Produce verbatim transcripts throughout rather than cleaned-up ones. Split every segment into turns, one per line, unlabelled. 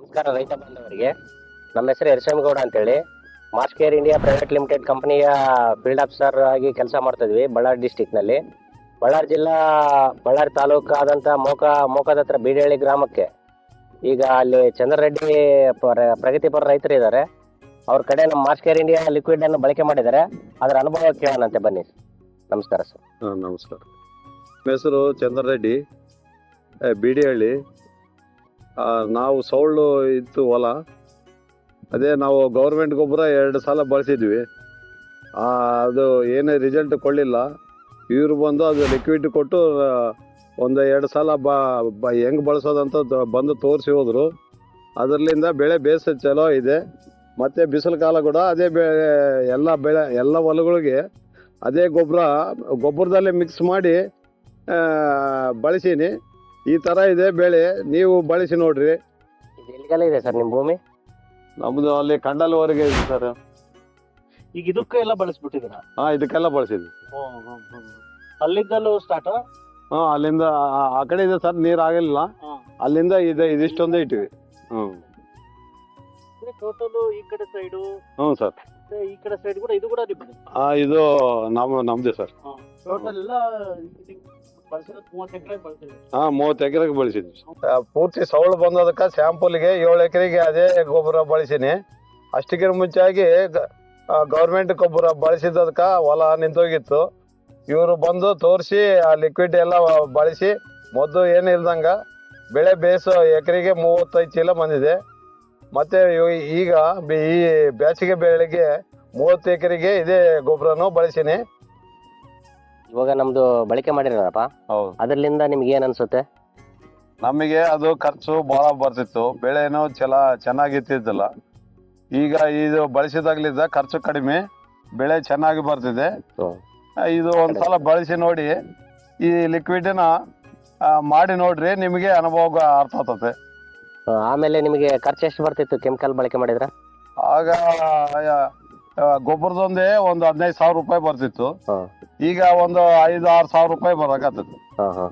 ನಮಸ್ಕಾರ ರೈತ ಬಾಂಧವರಿಗೆ. ನಮ್ಮ ಹೆಸರು ಯರಸೇಮಗೌಡ ಅಂತೇಳಿ Mars care India private limited ಕಂಪನಿಯ ಫೀಲ್ಡ್ ಆಫೀಸರ್ ಆಗಿ ಕೆಲಸ ಮಾಡ್ತಿದ್ವಿ ಬಳ್ಳಾರಿ ಡಿಸ್ಟಿಕ್ನಲ್ಲಿ. ಬಳ್ಳಾರಿ ಜಿಲ್ಲಾ ಬಳ್ಳಾರಿ ತಾಲೂಕು ಆದಂಥ ಮೋಕ ಮೋಕದ ಹತ್ರ ಬೀಡಹಳ್ಳಿ ಗ್ರಾಮಕ್ಕೆ ಈಗ ಅಲ್ಲಿ ಚಂದ್ರರೆಡ್ಡಿ ಪ್ರ- ಪ್ರಗತಿಪರ ರೈತರು ಇದ್ದಾರೆ. ಅವ್ರ ಕಡೆ ನಮ್ಮ ಮಾರ್ಸ್ ಕೇರ್ ಇಂಡಿಯಾ ಲಿಕ್ವಿಡ್ ಅನ್ನು ಬಳಕೆ ಮಾಡಿದ್ದಾರೆ. ಅದರ ಅನುಭವ ಕೇಳೋಣಂತೆ ಬನ್ನಿ. ನಮಸ್ಕಾರ ಸರ್.
ಹಾಂ ನಮಸ್ಕಾರ. ನಮ್ಮ ಹೆಸರು ಚಂದ್ರರೆಡ್ಡಿ, ಬೀಡಿಹಳ್ಳಿ. ನಾವು ಸೌಳು ಇತ್ತು ಹೊಲ, ಅದೇ ನಾವು ಗೌರ್ಮೆಂಟ್ ಗೊಬ್ಬರ ಎರಡು ಸಲ ಬಳಸಿದ್ವಿ. ಅದು ಏನೇ ರಿಸಲ್ಟ್ ಕೊಡಲಿಲ್ಲ. ಇವರು ಬಂದು ಅದು ಲಿಕ್ವಿಡ್ ಕೊಟ್ಟು ಒಂದು ಎರಡು ಸಲ ಬ ಬ ಹೆಂಗೆ ಬಳಸೋದಂತ ತ- ಬಂದು ತೋರಿಸಿ ಹೋದರು. ಅದರಲ್ಲಿಂದ ಬೆಳೆ ಬೇಸ ಚಲೋ ಇದೆ. ಮತ್ತು ಬಿಸಿಲು ಕಾಲ ಕೂಡ ಅದೇ ಬೆಳೆ ಎಲ್ಲ ಬೆಳೆ ಎಲ್ಲ ಹೊಲಗಳಿಗೆ ಅದೇ ಗೊಬ್ಬರ ಗೊಬ್ಬರದಲ್ಲೇ ಮಿಕ್ಸ್ ಮಾಡಿ ಬಳಸೀನಿ. ಈ ಥರ ಇದೆ ಬೆಳೆ, ನೀವು ಬಳಸಿ ನೋಡ್ರಿ.
ಇದು ಎಲ್ಲಿಗೆಲ್ಲ ಇದೆ ಸರ್ ನಿಮ್ಮ ಭೂಮಿ?
ನಮ್ಮದು ಅಲ್ಲಿ ಕಂಡಲ್ವರೆಗೆ ಇದೆ ಸರ್.
ಈಗ ಇದಕ್ಕೆ ಎಲ್ಲ ಬಳಸ್ಬಿಟ್ಟಿದ್ದೀರಾ?
ಹಾಂ ಇದಕ್ಕೆಲ್ಲ ಬಳಸಿದ್ವಿ.
ಅಲ್ಲಿಂದಲೂ ಸ್ಟಾರ್ಟ್?
ಹಾಂ ಅಲ್ಲಿಂದ ಆ- ಆ ಕಡೆ ಇದೆ ಸರ್, ನೀರು ಆಗಲಿಲ್ಲ. ಅಲ್ಲಿಂದ ಇದೆ ಇದಿಷ್ಟೊಂದೇ ಇಟ್ಟಿವಿ. ಹ್ಞೂ
ಟೋಟಲ್ ಈ ಕಡೆ ಸೈಡು
ಹ್ಞೂ ಸರ್.
ಈ ಕಡೆ ಸೈಡ್ ಕೂಡ ಇದು ಕೂಡ ನಿಮ್ಮದು?
ಹಾಂ ಇದು ನಮ್ಮ ನಮ್ಮದೇ ಸರ್.
ಟೋಟಲ್ ಎಲ್ಲ ಬಳಸಿರೋದು ಮೂವತ್ತು ಎಕರೆ ಬಳಸಿದ್ವಿ.
ಹಾಂ ಮೂವತ್ತು ಎಕರೆಗೆ ಬಳಸಿದ್ವಿ. ಪೂರ್ತಿ ಸೌಳು ಬಂದದಕ್ಕೆ ಸ್ಯಾಂಪಲ್ಗೆ ಏಳು ಎಕರೆಗೆ ಅದೇ ಗೊಬ್ಬರ ಬಳಸೀನಿ. ಅಷ್ಟಕ್ಕಿಂತ ಮುಂಚಾಗಿ ಗೌರ್ಮೆಂಟ್ ಗೊಬ್ಬರ ಬಳಸಿದ್ದದಕ್ಕೆ ಹೊಲ ನಿಂತೋಗಿತ್ತು. ಇವರು ಬಂದು ತೋರಿಸಿ ಆ ಲಿಕ್ವಿಡ್ ಎಲ್ಲ ಬಳಸಿ ಮೊದಲು ಏನು ಇಲ್ದಂಗೆ ಬೆಳೆ ಬೇಸು ಎಕರೆಗೆ ಮೂವತ್ತೈದು ಚೀಲ ಬಂದಿದೆ. ಮತ್ತು ಈಗ ಬಿ- ಈ ಬೇಸಿಗೆ ಬೆಳೆಗೆ ಮೂವತ್ತು ಎಕರೆಗೆ ಇದೇ ಗೊಬ್ಬರನೂ ಬಳಸೀನಿ.
ಇವಾಗ ನಮ್ದು ಬಳಕೆ ಮಾಡಿರಪ್ಪ,
ಹೌದು.
ಅದರಿಂದ ನಿಮ್ಗೆ ಏನ್ ಅನ್ಸುತ್ತೆ?
ನಮಗೆ ಅದು ಖರ್ಚು ಭಾಳ ಬರ್ತಿತ್ತು, ಬೆಳೆನೂ ಚಲ ಚೆನ್ನಾಗಿತ್ತಿದ್ದಿಲ್ಲ. ಈಗ ಇದು ಬಳಸಿದಾಗ್ಲಿದ್ದ ಖರ್ಚು ಕಡಿಮೆ, ಬೆಳೆ ಚೆನ್ನಾಗಿ ಬರ್ತಿದೆ.
ಹ್ಮ್.
ಇದು ಒಂದ್ಸಲ ಬಳಸಿ ನೋಡಿ, ಈ ಲಿಕ್ವಿಡ್ನ ಮಾಡಿ ನೋಡ್ರಿ, ನಿಮಗೆ ಅನುಭವ ಅರ್ಥ ಆಗ್ತದೆ.
ಆ, ಆಮೇಲೆ ನಿಮಗೆ ಖರ್ಚು ಎಷ್ಟು ಬರ್ತಿತ್ತು ಕೆಮಿಕಲ್ ಬಳಕೆ ಮಾಡಿದ್ರ?
ಆಗ ಆ, ಗೊಬ್ಬರದೊಂದೇ ಒಂದು ಹದಿನೈದು ಸಾವಿರ ರೂಪಾಯಿ ಬರ್ತಿತ್ತು.
ಹ್ಮ್.
ಈಗ ಒಂದು ಐದು ಆರು ಸಾವಿರ ರೂಪಾಯಿ ಬರಕತ್ತೈತಿ.
ಹಾ ಹಾ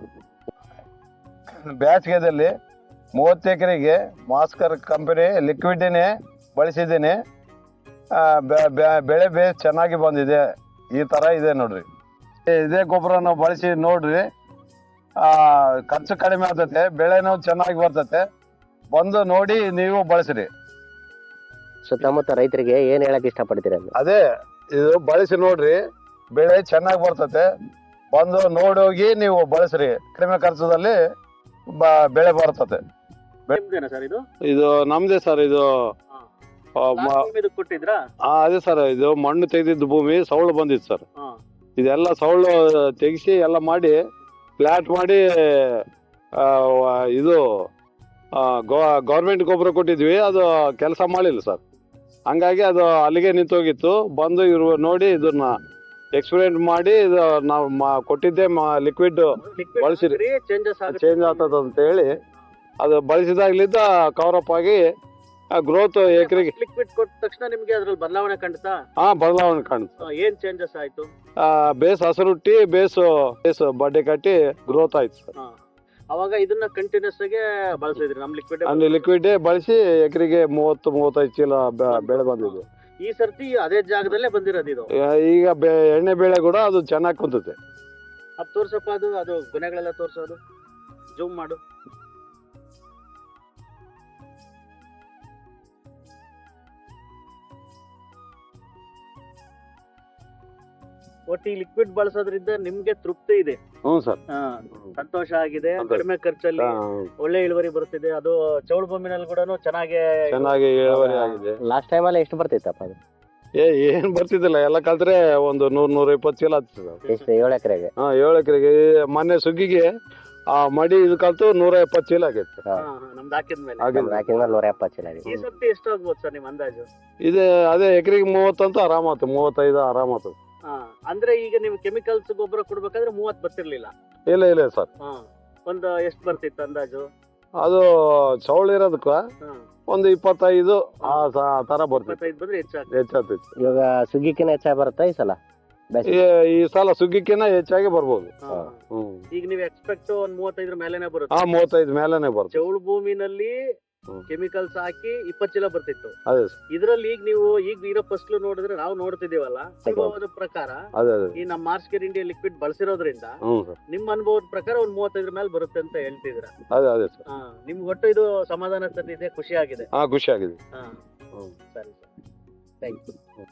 ಬೇಸಿಗೆದಲ್ಲಿ ಮೂವತ್ತು ಎಕರೆಗೆ ಮಾಸ್ಕರ್ ಕಂಪನಿ ಲಿಕ್ವಿಡ್ನೇ ಬಳಸಿದ್ದೀನಿ. ಆ, ಬೆ- ಬೆ- ಬೆಳೆ ಬೇಸ್ ಚೆನ್ನಾಗಿ ಬಂದಿದೆ. ಈ ಥರ ಇದೆ ನೋಡ್ರಿ. ಇದೇ ಗೊಬ್ಬರನ ಬಳಸಿ ನೋಡ್ರಿ, ಆ, ಖರ್ಚು ಕಡಿಮೆ ಆಗ್ತೈತೆ, ಬೆಳೆನೂ ಚೆನ್ನಾಗಿ ಬರ್ತೈತೆ. ಬಂದು ನೋಡಿ ನೀವು ಬಳಸ್ರಿ.
ಸುತ್ತಮುತ್ತ ರೈತರಿಗೆ ಏನ್ ಹೇಳಕ್ ಇಷ್ಟಪಡ್ತೀರಿ ಅಂದ್ರೆ?
ಅದೇ ಇದು ಬಳಸಿ ನೋಡ್ರಿ, ಬೆಳೆ ಚೆನ್ನಾಗಿ ಬರ್ತೈತೆ. ಬಂದು ನೋಡೋಗಿ ನೀವು ಬಳಸ್ರಿ, ಕಡಿಮೆ ಖರ್ಚದಲ್ಲಿ ಬ- ಬೆಳೆ ಬರ್ತದೆ.
ನಿಮ್ದೇನಾ ಸರ್ ಇದು?
ಇದು ನಮ್ದೇ ಸರ್. ಇದು ಆ, ಮ-
Last time ಇದಕ್ಕೆ ಕೊಟ್ಟಿದ್ರಾ?
ಆ, ಅದೇ ಸರ್, ಇದು ಮಣ್ಣು ತೆಗೆದಿದ್ದು ಭೂಮಿ ಸೌಳು ಬಂದಿತ್ತು ಸರ್.
ಹಾ.
ಇದೆಲ್ಲ ಸೌಳು ತೆಗಿಸಿ ಎಲ್ಲ ಮಾಡಿ ಫ್ಲಾಟ್ ಮಾಡಿ ಆ, ವ- ಇದು ಗೌರ್ಮೆಂಟ್ ಗೊಬ್ಬರ ಕೊಟ್ಟಿದ್ವಿ. ಅದು ಕೆಲಸ ಮಾಡಿಲ್ಲ ಸರ್, ಹಂಗಾಗಿ ಅದು ಅಲ್ಲಿಗೆ ನಿಂತೋಗಿತ್ತು. ಬಂದು ಇವರು ನೋಡಿ ಇದನ್ನ ಎಕ್ಸ್ಪೆರಿಮೆಂಟ್ ಮಾಡಿ ಇದು ನಾವು ಮಾ- ಕೊಟ್ಟಿದ್ದೆ ಲಿಕ್ವಿಡ್
Liquid
ಬಳಸಿರಿ.
ಹಾಕಿದ್ರೆ changes ಆಗುತ್ತೆ.
ಚೇಂಜ್ ಆಗ್ತದ ಅಂತ ಹೇಳಿ ಅದು ಬಳಸಿದಾಗ್ಲಿದ್ದ ಕವರಪ್ ಆಗಿ ಗ್ರೋತ್ ಎಕರೆಗೆ
ಲಿಕ್ವಿಡ್ ಕೊಟ್ಟ ತಕ್ಷಣ ನಿಮ್ಗೆ ಅದ್ರಲ್ಲಿ ಬದಲಾವಣೆ ಕಾಣ್ತಾ?
ಹಾ ಬದಲಾವಣೆ ಕಾಣುತ್ತೆ.
ಆ, ಏನ್ ಚೇಂಜಸ್ ಆಯ್ತು?
ಆ, ಬೇಸ್ ಹಸರುಟ್ಟಿ ಬೇಸು ಬೇಸು ಬಡ್ಡೆ ಕಟ್ಟಿ ಗ್ರೋತ್ ಆಯ್ತು ಸರ್.
ಹಾ. ಅವಾಗ ಇದನ್ನ ಕಂಟಿನ್ಯೂಸ್ ಆಗಿ ಬಳಸಿದ್ರಿ ನಮ್ ಲಿಕ್ವಿಡ್?
ಅಲ್ಲಿ ಲಿಕ್ವಿಡ್ ಬಳಸಿ ಎಕರೆಗೆ ಮೂವತ್ತು ಮೂವತ್ತೈದು ಚೀಲ ಬೆ- ಬೆಳೆ ಬಂದಿದೆ.
ಈ ಸರ್ತಿ ಅದೇ ಜಾಗದಲ್ಲೇ ಬಂದಿರೋದು ಇದು?
ಆ, ಈಗ ಬೆ- ಎಣ್ಣೆ ಬೆಳೆ ಕೂಡ ಅದು ಚೆನ್ನಾಗಿ ಕುಂತತೆ.
ಅದು ತೋರ್ಸಪ್ಪ, ಅದು ಅದು ಗುಣಗಳೆಲ್ಲ ತೋರ್ಸೋದು, ಜೂಮ್ ಮಾಡು. ಒಟ್ಟು ಈ ಲಿಕ್ವಿಡ್ ಬಳಸೋದ್ರಿಂದ ನಿಮ್ಗೆ ತೃಪ್ತಿ ಇದೆ?
ಹ್ಞೂ ಸರ್.
ಹಾ, ಸಂತೋಷ ಆಗಿದೆ.
ಸಂತೋಷ.
ಕಡಿಮೆ ಖರ್ಚಲ್ಲಿ
ಆ,
ಒಳ್ಳೆ ಇಳುವರಿ ಬರುತ್ತಿದೆ. ಅದು ಚೌಳು ಭೂಮಿನಲ್ಲಿ ಕೂಡ ಚೆನ್ನಾಗಿ
ಚೆನ್ನಾಗಿ ಇಳುವರಿ ಆಗಿದೆ.
ಲಾಸ್ಟ್ ಟೈಮ್ ಅಲ್ಲಿ ಎಷ್ಟು ಬರ್ತಿತ್ತಪ್ಪ ಅದು?
ಏ ಏನ್ ಬರ್ತಿದ್ದಿಲ್ಲ, ಎಲ್ಲ ಕಲ್ತ್ರೆ ಒಂದು ನೂರ್ ನೂರ ಇಪ್ಪತ್ತು ಚೀಲ ಆಗ್ತದೆ ಸರ್.
ಎಷ್ಟು? ಏಳು ಎಕರೆಗೆ?
ಹಾ ಏಳು ಎಕರೆಗೆ. ಮೊನ್ನೆ ಸುಗ್ಗಿಗೆ ಆ ಮಡಿ ಇದು ಕಲ್ತು ನೂರ ಎಪ್ಪತ್ತು ಚೀಲ ಆಗೈತೆ ಸರ್.
ಹಾ, ಹಾ, ನಮ್ದು ಹಾಕಿದ್ಮೇಲೆ.
ಆಗಿದೆ.
ಹಾಕಿದ್ಮೇಲೆ ನೂರ ಎಪ್ಪತ್ತು ಚೀಲ ಆಗಿದೆ.
ಈ ಸರ್ತಿ ಎಷ್ಟು ಆಗ್ಬೋದು ಸರ್ ನಿಮ್ ಅಂದಾಜು?
ಇದೆ ಅದೇ ಎಕರೆಗೆ ಮೂವತ್ತಂತೂ ಆರಾಮಾತು, ಮೂವತ್ತೈದು ಆರಾಮಾತು.
ಹಾ, ಅಂದ್ರೆ ಈಗ ನೀವು ಕೆಮಿಕಲ್ಸ್ ಗೊಬ್ಬರ ಕೊಡ್ಬೇಕಾದ್ರೆ ಮೂವತ್ ಬರ್ತಿರ್ಲಿಲ್ಲ?
ಇಲ್ಲ ಇಲ್ಲ ಸರ್,
ಹಾ, ಒಂದು ಎಷ್ಟು ಬರ್ತಿತ್ತು ಅಂದಾಜು?
ಅದು ಚೌಳ ಇರೋದಕ್ಕ
ಹಾ,
ಒಂದು ಇಪ್ಪತ್ತೈದು ಆ ಸ- ತರ ಬರ್ತಿತ್ತು,
ಇಪ್ಪತ್ತೈದು ಬಂದ್ರೆ ಹೆಚ್ಚಾಗ್ತದೆ.
ಹೆಚ್ಚಾಗ್ತಿತ್ತು.
ಇವಾಗ ಸುಗ್ಗಿಕಿನ ಹೆಚ್ಚಾಗಿ ಬರುತ್ತಾ ಈ ಸಲ?
ಈ ಈ ಸಲ ಸುಗ್ಗಿಕ್ಕಿನ ಹೆಚ್ಚಾಗಿ ಬರ್ಬೋದು.
ಹಾ.
ಹ್ಮ್
ಈಗ ನೀವು ಎಕ್ಸ್ಪೆಕ್ಟ್ ಒಂದ್ ಮೂವತ್ತೈದರ ಮೇಲೆನೆ
ಹಾ
ಬರುತ್ತೆ.
ಮೂವತ್ತೈದು ಮೇಲೆನೆ ಬರ್ತದೆ.
ಚೌಳು ಭೂಮಿನಲ್ಲಿ
ಹ್ಮ್.
ಕೆಮಿಕಲ್ಸ್ ಹಾಕಿ ಇಪ್ಪತ್ತು ಚೀಲ ಬರ್ತಿತ್ತು.
ಅದೇ ಸರ್
ಇದ್ರಲ್ಲಿ ಈಗ ನೀವು ಈಗ ಇರೋ ಫಸ್ಲು ನೋಡಿದ್ರೆ ನಾವು ನೋಡ್ತಿದೀವಲ್ಲ, ಅನುಭವದ ಪ್ರಕಾರ
ಅದೇ ಅದೇ
ಈ ನಮ್ಮ ಮಾರ್ಚ್ ಕೇರ್ ಇಂಡಿಯಾ ಲಿಕ್ವಿಡ್ ಬಳಸಿರೋದ್ರಿಂದ
ಹ್ಞೂ ಸರ್
ನಿಮ್ಮ ಅನುಭವದ ಪ್ರಕಾರ ಒಂದ್ ಮೂವತ್ತೈದರ ಮೇಲೆ ಬರುತ್ತೆ ಅಂತ ಹೇಳ್ತಿದ್ರ.
ಅದೇ ಅದೇ ಸರ್
ನಿಮ್ಗೆ ಒಟ್ಟು ಇದು ಸಮಾಧಾನ ತಂದಿದೆ, ಖುಷಿ ಆಗಿದೆ.
ಹಾಂ ಖುಷಿ ಆಗಿದೆ.
ಹಾ
ಹ್ಞೂ
ಸರಿ ಸರ್, ಥ್ಯಾಂಕ್ ಯು.